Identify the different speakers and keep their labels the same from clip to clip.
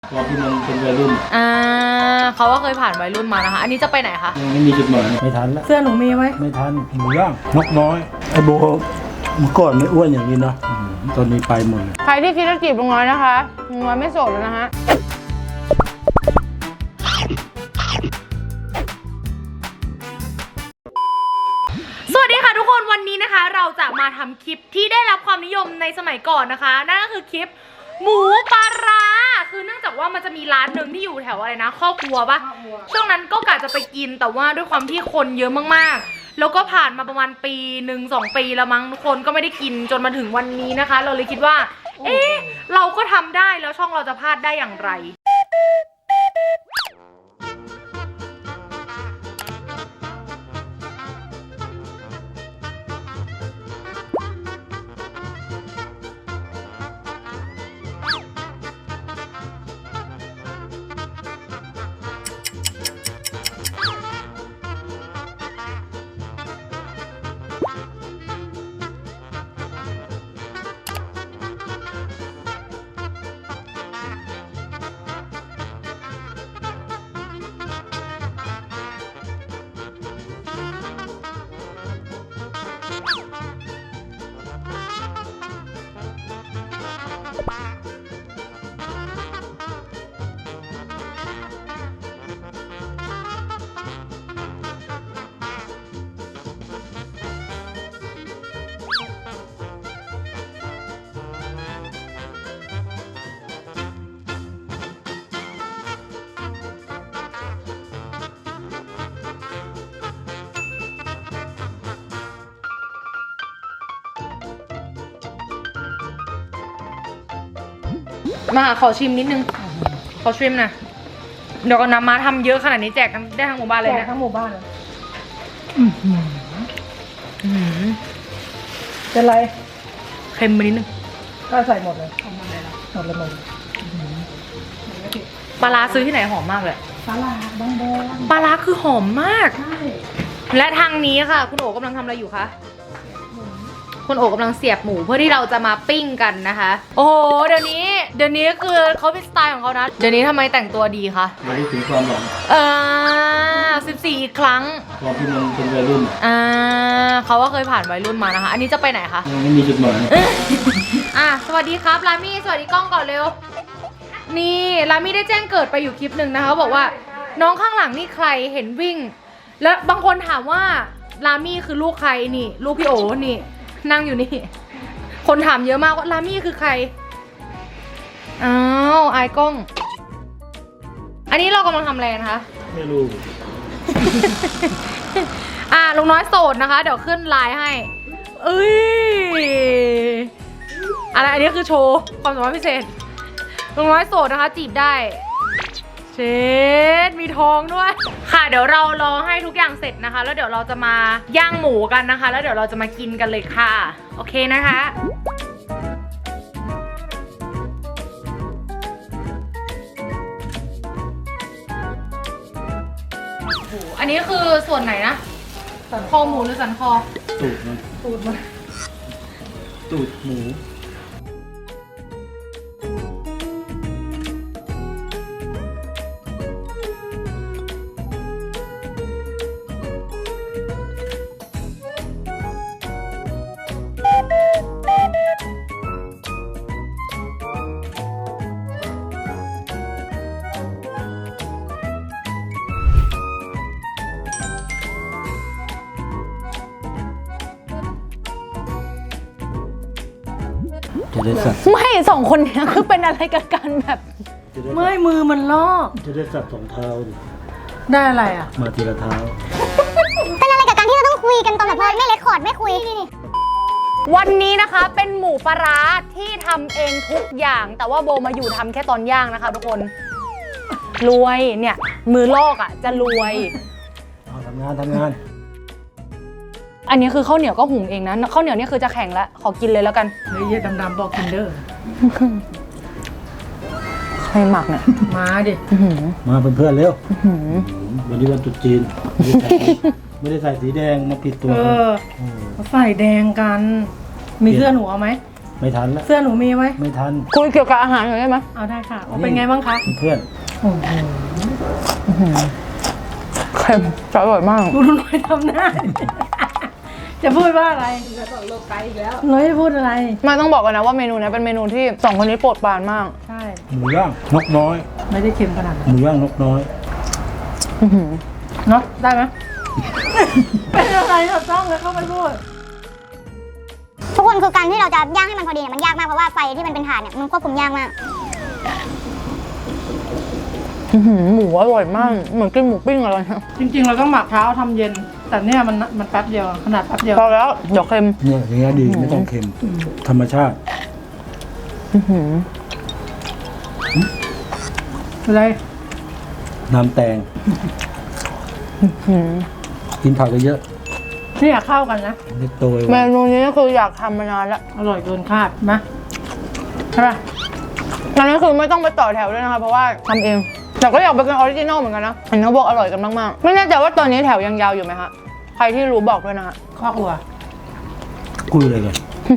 Speaker 1: ตอนที่มันเป็นวัยรุ่น
Speaker 2: เขาก็เคยผ่านวัยรุ่นมานะคะ อันนี้จะไปไหนคะ
Speaker 1: ไม่มีจุดหมายไม่ทันแล้ว
Speaker 2: เสื้อหนูมีไหม
Speaker 1: ไม่ทันหมูย่างนกน้อยไอ้โบเมื่อก่อนไม่อ้วนอย่างนี้นะตอนนี้ไปหมดเลย
Speaker 2: ใครที่คิดจะจีบลุงน้อยนะคะลุงน้อยไม่โสดแล้วนะฮะสวัสดีค่ะทุกคนวันนี้นะคะ เราจะมาทำคลิปที่ได้รับความนิยมในสมัยก่อนนะคะนั่นก็คือคลิปหมูปลาร้าคือเนื่องจากว่ามันจะมีร้านหนึ่งที่อยู่แถวอะไรนะครอบครัวปะช่วงนั้นก็กะจะไปกินแต่ว่าด้วยความที่คนเยอะมากๆแล้วก็ผ่านมาประมาณปี1-2 ปีแล้วมั้งทุกคนก็ไม่ได้กินจนมาถึงวันนี้นะคะเราเลยคิดว่าเอ๊ะเราก็ทำได้แล้วช่องเราจะพลาดได้อย่างไรมาขอชิมนิดนึงขอชิมหน่อยเดี๋ยวก่อนนะมาทำเยอะขนาดนี้แจกได้ทั้งหมู่บ้านเลยนะแจกทั้งหมู่บ้านเลยเป็นไรเค็มไปนิดนึงก็ใส่หมดเลยหมดเลยปลาร้าซื้อที่ไหนหอมมากเลยปลาร้าบางปลาร้าคือหอมมากและทางนี้ค่ะคุณโอ๋กำลังทำอะไรอยู่คะคุณโอ๋กำลังเสียบหมูเพื่อที่เราจะมาปิ้งกันนะคะโอ้โหเดี๋ยวนี้คือเขาเป็นสไตล์ของเขานะเดี๋ยวนี้ทำไมแต่งตัวดีคะ
Speaker 1: มาได้ถึงความหวัง
Speaker 2: 14 อีกครั้ง
Speaker 1: ตอนที่มันเป็นวัยรุ่น
Speaker 2: เขาก็เคยผ่านวัยรุ่นมานะคะอันนี้จะไปไหนคะ
Speaker 1: ไม่มีจุดหมาย
Speaker 2: สวัสดีครับลามี่สวัสดีกล้องก่อนเร็วนี่ลามี่ได้แจ้งเกิดไปอยู่คลิปหนึ่งนะคะบอกว่าน้องข้างหลังนี่ใครเห็นวิ่งแล้วบางคนถามว่าลามี่คือลูกใครนี่ลูกพี่โอ๋นี่นั่งอยู่นี่คนถามเยอะมากว่าลามี่คือใครอ้าวไอ้กล้องอันนี้เรากำลังทำอะไรนะคะ
Speaker 1: ไม่รู้
Speaker 2: ลุงน้อยโสดนะคะเดี๋ยวขึ้นไลน์ให้เอ้ยอะไรอันนี้คือโชว์ความสามารถพิเศษลุงน้อยโสดนะคะจีบได้เชดมีทองด้วยค่ะเดี๋ยวเรารอให้ทุกอย่างเสร็จนะคะแล้วเดี๋ยวเราจะมาย่างหมูกันนะคะแล้วเดี๋ยวเราจะมากินกันเลยค่ะโอเคนะคะอันนี้คือส่วนไหนนะสันคอหมูหรือสันคอ
Speaker 1: ตูดมันตูดหมูจะได้สัตว์
Speaker 2: ไม่2 คนเนี้ยคือเป็นอะไรกันแบบไม่มือมันลอก
Speaker 1: จะได้สัตว์2 เท้าดิ
Speaker 2: ได้อะไรอ่ะ
Speaker 1: มาทีละเท้า
Speaker 3: เป็นอะไรกับการที่เราต้องคุยกันตอนแบบไม่เรคคอร์ดไม่คุย
Speaker 2: วันนี้นะคะเป็นหมูปลาร้าที่ทำเองทุกอย่างแต่ว่าโบมาอยู่ทำแค่ตอนย่างนะคะทุกคนรวยเนี่ยมือลอกอ่ะจะรวย
Speaker 1: ทำงาน
Speaker 2: อันนี้คือข้าวเหนียวก็หุงเองนะข้าวเหนียวนี่คือจะแข็งแล้วขอกินเลยแล้วกัน
Speaker 4: เฮ้ยดำๆบอกกินเด้อ
Speaker 2: ใครหมักเนี่ย
Speaker 4: มาดิ
Speaker 1: มาเพื่อนๆเร็ววันนี้วันตรุษจีนไม่ได้ใส่สีแดงมาผิดตัว
Speaker 4: ใส่แดงกันมีเสื้อหนูเอาไหม
Speaker 1: ไม่ทันแล้ว
Speaker 2: เสื้อหนูมีไหม
Speaker 1: ไม่ทัน
Speaker 4: คุยเกี่ยวกับอาหารหน่อยได้ไหม
Speaker 2: เอาได้ค่ะเป็นไงบ้างคะ
Speaker 1: เพื่อน
Speaker 2: โอ้โห
Speaker 4: เค็มจะอร่อยมาก
Speaker 2: ดูหน่อยทำหน้า จะพูดว่าอะไรจะบอกโลกไกลอีกแล้วน้อยจะพูดอะไร
Speaker 4: มาต้องบอกกันนะว่าเมนูนี้เป็นเมนูที่สองคนนี้โปรดปรานมาก
Speaker 2: ใช่
Speaker 1: หมูย่างนกน้อย
Speaker 2: ไม่ได้เค็มขนาดนั้น
Speaker 1: หมูย่างนกน้อย
Speaker 2: เนาะได้ไหม เป็นอะไรเราต้องเลยเข้าไปพูด
Speaker 3: ทุกคนคือการที่เราจะย่างให้มันพอดีเนี่ยมันยากมากเพราะว่าไฟที่มันเป็นถ่านเนี่ยมันควบคุมยากมาก
Speaker 4: หมูอร่อยมาก เหมือนกินหมูปิ้งอะไรนะ
Speaker 2: จริงๆเราต้องหมักเช้าทำเย็น แต่เนี่ยมันแป๊บเดียวขนาดแป๊บเดียว
Speaker 4: พอแล้วเดี๋ยวเค็ม
Speaker 1: เนี่ยอย่างเงี้ยดีไม่ต้องเค็ม ธรรมชาติ
Speaker 2: อะไร
Speaker 1: น้ำแตงกินผักเยอะ
Speaker 2: เนี่ยเข้ากันนะ
Speaker 1: ๆเล็กโตไว้
Speaker 4: เมนูนี้ก็คืออยากทำมานานแล้ว
Speaker 2: อร่อยเกินคาดนะใช่ป่ะ
Speaker 4: อันนี้คือไม่ต้องไปต่อแถวด้วยนะคะเพราะว่าทำเองแต่ก็อยากไปกินออริจินอลเหมือนกันนะเห็นเขาบอกอร่อยกันมากๆไม่แน่ใจว่าตอนนี้แถวยังยาวอยู่ไหมคะใครที่รู้บอกด้วยนะคะ
Speaker 2: ข้อครัว
Speaker 1: คุยอะไรกัน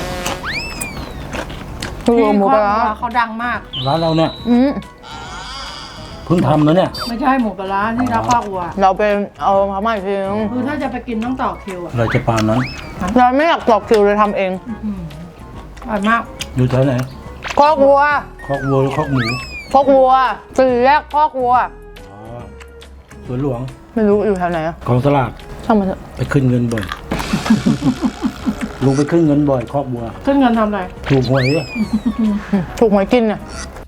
Speaker 4: คือหมูปลาร้า
Speaker 2: เขาดังมาก
Speaker 1: ร้านเราเนี่ย เพิ่งทำนะเนี่ย
Speaker 2: ไม่ใช่หมูปลาร้าที่ร้านข้อครัว
Speaker 4: เราไปเอาเขามาอีกทีนึง
Speaker 2: คือถ้าจะไปกินต้องต่อคิวอ่ะ
Speaker 1: เราจะปานนั้น
Speaker 4: เราไม่อยากตอกคิวเลยทำเอง
Speaker 2: อร่อยมาก
Speaker 1: อยู่แถวไหน
Speaker 4: คอกวัว
Speaker 1: คอกวัวหรือคอกหมู
Speaker 4: คอกวัวสี่แยกคอกวัว
Speaker 1: อ๋อสวนหลวง
Speaker 4: ไม่รู้อยู่แถวไหนอะ
Speaker 1: กองสลาก
Speaker 4: ช่างมันเถอะ
Speaker 1: ไปขึ้นเงินบ่อย ลุงไปขึ้นเงินบ่อยคอกวัว
Speaker 2: ขึ้นเงินทำอะไร
Speaker 1: ถูกหวยอะ
Speaker 4: ถูกหวยกินเนี่ย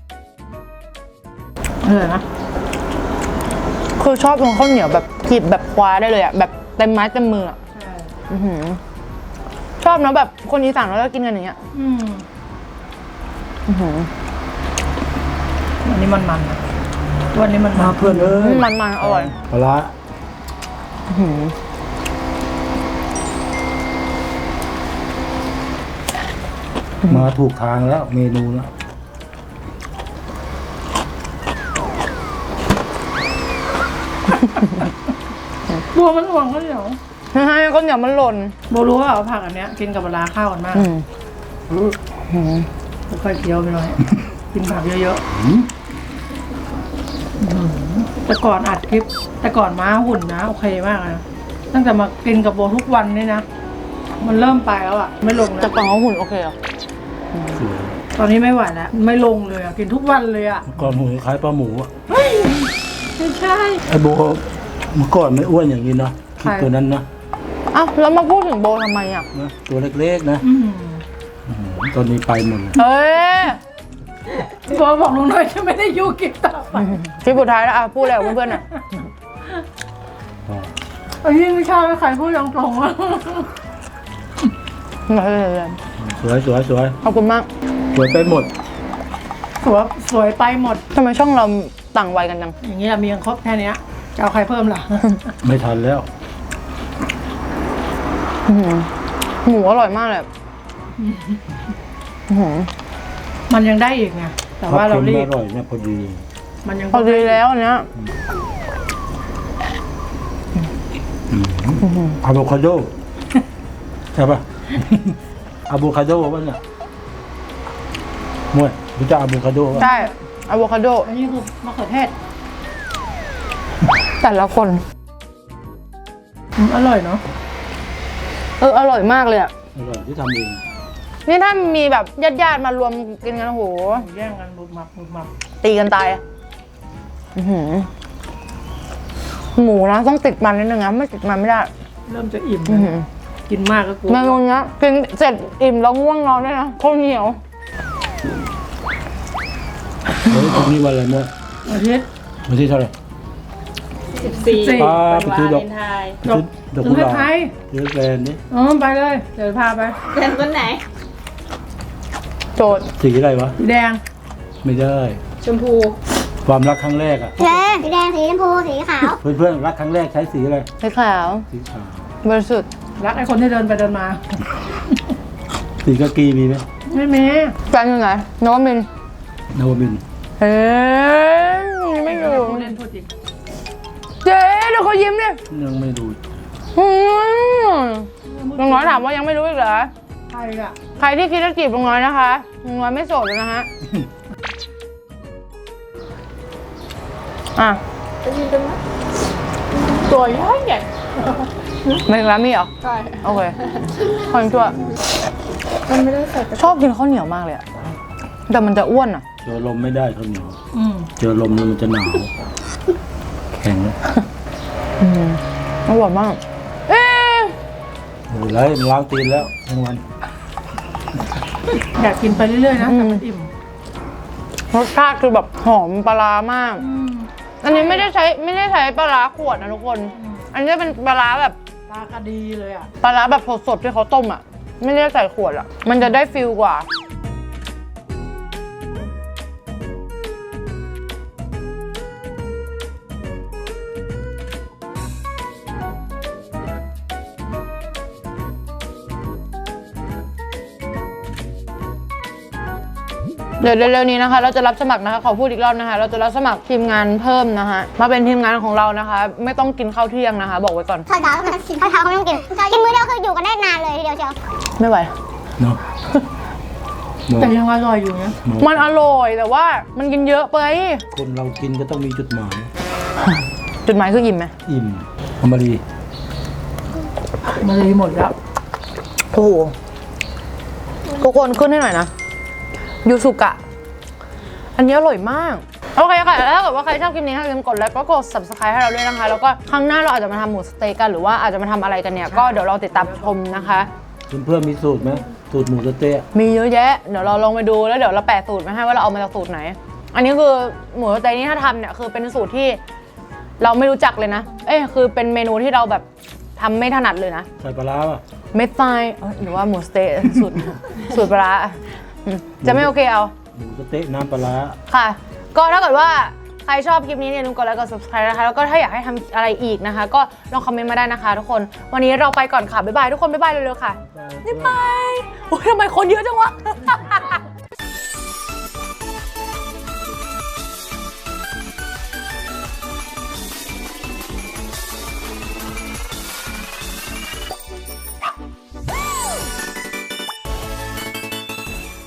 Speaker 2: นะ
Speaker 4: คือชอบตรงข้าวเหนียวแบบหยิบแบบคว้าได้เลยอะแบบเต็มไม้เต็มมืออะ
Speaker 2: ใช่
Speaker 4: อื้อหือชอบนะแบบคนอีสานเราก็กินกันอย่างเงี้ย อื้อหือ
Speaker 2: วันนี้มันนะวันนี้มัน
Speaker 1: มาเพื่อนเอ้ย
Speaker 4: มันอร่อย
Speaker 1: ปลาร้า
Speaker 4: อื้อหือ
Speaker 1: มาถูกทางแล้วเมนูแล้ว
Speaker 2: บัวมันหวงข้าวเหนียว
Speaker 4: ให้ข้าวเหนียวมันหล่น
Speaker 2: โบรู้ว่าเอาผักอันเนี้ยกินกับปลาร้าเข้ากันมาก ค่อยๆเคี้ยวไปหน่อย กินผักเยอะๆแต่ก่อนอัดคลิป แต่ก่อนม้าหุ่นนะโอเคมากนะตั้งแต่มากินกับโบทุกวันนี่นะ มันเริ่มไปแล้วอ่ะ ไม่ลง
Speaker 4: แต่
Speaker 2: แล้ว
Speaker 4: ก่อนเขาหุ่นโอเคเหรอ
Speaker 1: สวย
Speaker 2: ตอนนี้ไม่ไหวแล้ว ไม่ลงเลยอ่ะ กินทุกวันเลยอ่ะ
Speaker 1: เมื่อก่อนหมูคล้ายปลาหมูอะ
Speaker 2: เฮ้ยไม่ใช่
Speaker 1: ไอ้โบเมื่อก่อนไม่อ้วนอย่างนี้นะคิด
Speaker 2: ใคร
Speaker 1: ตัวนั้นนะ
Speaker 4: อ้าวแล้วมาพูดถึงโบทำไมอ่ะ
Speaker 1: นะตัวเล็กๆนะ
Speaker 2: อืม
Speaker 1: ตอนนี้ไปหมดเลย
Speaker 4: เอ้ย
Speaker 2: โบบอกลุงน้อยจะไม่ได้อยู่กินต่อไป
Speaker 4: คลิปสุดท้ายแล้วอ่ะพูดอะไรกับเพื่อนๆหน่อย
Speaker 1: อ๋อ
Speaker 2: ไอ้นี่ไม่ใช่ใครพูดตรงๆว่า
Speaker 1: สวยสวยสวย
Speaker 4: ขอบคุณมาก
Speaker 1: สวยไปหมด
Speaker 2: สวยไปหมด
Speaker 4: ทำไมช่องเราต่างวัยกันจัง
Speaker 2: อย่างเงี้ยมียังครบแค่เนี้ยจะเอาใครเพิ่มล่ะ
Speaker 1: ไม่ทันแล้ว
Speaker 4: อื้อหือหมูอร่อยมากเลยอื้อหือ
Speaker 2: มันยังได้อีกไงแต่ว่าเรารีบ
Speaker 1: อร่อยเนี่ยพอดี
Speaker 2: มันยัง
Speaker 4: พอดีแล้วอันเนี้ย
Speaker 1: อะโวคาโดใช่ปะ อะโวคาโดวะเนี่ยมวยรู้จักอะโวคาโดปะ
Speaker 4: ใช่อะโวคาโด
Speaker 2: อันนี้คือมะเขือเทศ
Speaker 4: แต่ละคน
Speaker 2: อร่อยเนาะ
Speaker 4: อร่อยมากเลยอ่ะ
Speaker 1: อร่อยที่ทำเอง
Speaker 4: นี่ถ้ามีแบบญาติๆมารวมกินกันโอ้โห
Speaker 2: แย่งกันบุบมับบุบมับ
Speaker 4: ตีกันตายอะอื้อหือหมูนะต้องติดมันนิดนึงนะไม่ติดมันไม่ได้
Speaker 2: เริ่มจะอิ่ม
Speaker 4: อื้อหือ
Speaker 2: กินมากก็กลัว
Speaker 4: เมนูเนี้ยกินเสร็จอิ่มแล้วง่วงนอนด้วยนะข้าวเหนียว
Speaker 1: เฮ้ยตรงนี้วันอะไรมวย
Speaker 2: อาทิตย์
Speaker 1: วันที่เท่าไหร่
Speaker 2: 14
Speaker 1: ป้าไปซื้อดอก
Speaker 2: ดอก
Speaker 1: ดอก
Speaker 2: ถึ
Speaker 1: กุ
Speaker 2: ง
Speaker 1: หลาบ
Speaker 2: ไทย
Speaker 1: ซื้อแบรนด์นี่
Speaker 2: ไปเลย เดี๋ยวพาไป
Speaker 5: เป็นต้นไหน
Speaker 4: โจทย์
Speaker 1: สีอะไรวะ
Speaker 2: สีแดง
Speaker 1: ไม่ได้
Speaker 5: ชมพู
Speaker 1: ความรักครั้งแรกอะ
Speaker 3: สีแดงสีชมพูสีขาว
Speaker 1: เพื่อนๆรักครั้งแรกใช้สีอะไร
Speaker 4: สีขาว
Speaker 1: สีขาว
Speaker 4: บริสุทธิ์
Speaker 2: รักไอ้คนที่เดินไปเดินมา
Speaker 1: สีกากีมีไหม
Speaker 2: ไม่มี
Speaker 4: แฟนอยู่ไหนนวมินทร์
Speaker 1: นวมินทร์
Speaker 4: เฮ้ยไม่อยู่
Speaker 2: พูดเล่นพูดจริง
Speaker 4: เจ๊เดี๋ยวเขายิ้มดิ
Speaker 1: ยังไม่ดู
Speaker 4: อืมน้องน้อยถามว่ายังไม่รู้อีกเหรอ
Speaker 2: ใครอะ
Speaker 4: ใครที่คิดจะจีบลุงน้อยนะคะลุงน้อยไม่โสดเลยนะฮะ อ่ะ
Speaker 2: จะยินกันไหมตัวใหญ่ใหญ่
Speaker 4: ไม่ถึงร้านมีเหรอ
Speaker 2: ใช่
Speaker 4: โอเคคนชั่ว
Speaker 2: มันไม่ได้ใส่
Speaker 4: ชอบกินข้าวเหนียวมากเลยอะแต่มันจะอ้วนอะ
Speaker 1: เจอลมไม่ได้ข้าวเหนียว
Speaker 2: อืม
Speaker 1: เจอลมแล้วมันจะหนาว แข็ง
Speaker 4: อร่อยมาก เอ๊ะ
Speaker 1: โอ้ยไรมันล้างตีนแล้วทั้งวัน
Speaker 2: อยากกินไปเรื่อยๆนะแต่มันอิ่ม
Speaker 4: รสชาติคือแบบหอมปลาร้ามาก อันนี้ไม่ได้ใช้ปลาร้าขวดนะทุกคน อันนี้เป็นปลาร้าแบบ
Speaker 2: ปลากระดีเลยอ่ะ
Speaker 4: ปลาร้าแบบสดๆที่เขาต้มอ่ะ ไม่ได้ใส่ขวดอ่ะ มันจะได้ฟิลกว่า เดี๋ยวเร็วๆนี้นะคะ เราจะรับสมัครนะคะขอพูดอีกรอบนะคะ เราจะรับสมัครทีมงานเพิ่มนะคะมาเป็นทีมงานของเรานะคะ ไม่ต้องกินข้าวเที่ยงนะคะ บอกไว้ก่อน
Speaker 3: ข้าวเช้าก็ไม่ต้องกินข้าวเช้าก็ไม่ต้องกินกินมื้อเดียวคืออยู่กันได้นานเลยทีเดียวเชียว
Speaker 4: ไม่ไหว
Speaker 1: เนาะ
Speaker 2: แต่ยังอร่อยอยู่นะ
Speaker 4: มันอร่อยแต่ว่ามันกินเยอะไป
Speaker 1: คนเรากินก็ต้องมีจุดหมาย
Speaker 4: จุดหมายคืออิ่มไหม
Speaker 1: อิ่มอมรี
Speaker 2: มันเลยหมดแล้ว
Speaker 4: โอ้โหทุกคนขึ้นให้หน่อยนะยูสุกะ อันนี้อร่อยมาก โอเคค่ะแล้วถ้าเกิดว่าใครชอบคลิปนี้อย่าลืมกดไลค์ก็กด subscribe ให้เราด้วยนะคะ แล้วก็ครั้งหน้าเราอาจจะมาทำหมูสเต็กกันหรือว่าอาจจะมาทำอะไรกันเนี่ย ก็เดี๋ยวเราติดตามชมนะคะ
Speaker 1: เพื่อนๆมีสูตรไหมสูตรหมูสะเต๊ะ
Speaker 4: มีเยอะแยะ เดี๋ยวเราลองไปดูแล้วเดี๋ยวเราแปะสูตรมาให้ว่าเราเอามาจากสูตรไหน อันนี้คือหมูสเต็กนี่ถ้าทำเนี่ยคือเป็นสูตรที่เราไม่รู้จักเลยนะ คือเป็นเมนูที่เราแบบทำไม่ถนัดเลยนะ
Speaker 1: ใส่ปลาร้าป่ะ
Speaker 4: เม็ดทรายหรือว่าหมูสเต๊ะสูตรปลาร้าจะไม่โอเคเอา
Speaker 1: หมูสะเต๊ะน้ำปลาร้า
Speaker 4: ค่ะ ก็ถ้าเกิดว่าใครชอบคลิปนี้เนี่ยลืมกดไลค์กด subscribe นะคะ แล้วก็ถ้าอยากให้ทำอะไรอีกนะคะ ก็ลองคอมเมนต์มาได้นะคะทุกคน วันนี้เราไปก่อนค่ะ บ๊ายบายทุกคน บ๊ายบายเร็วๆค่ะ บ๊ายบายโอ้ยทำไมคนเยอะจังวะ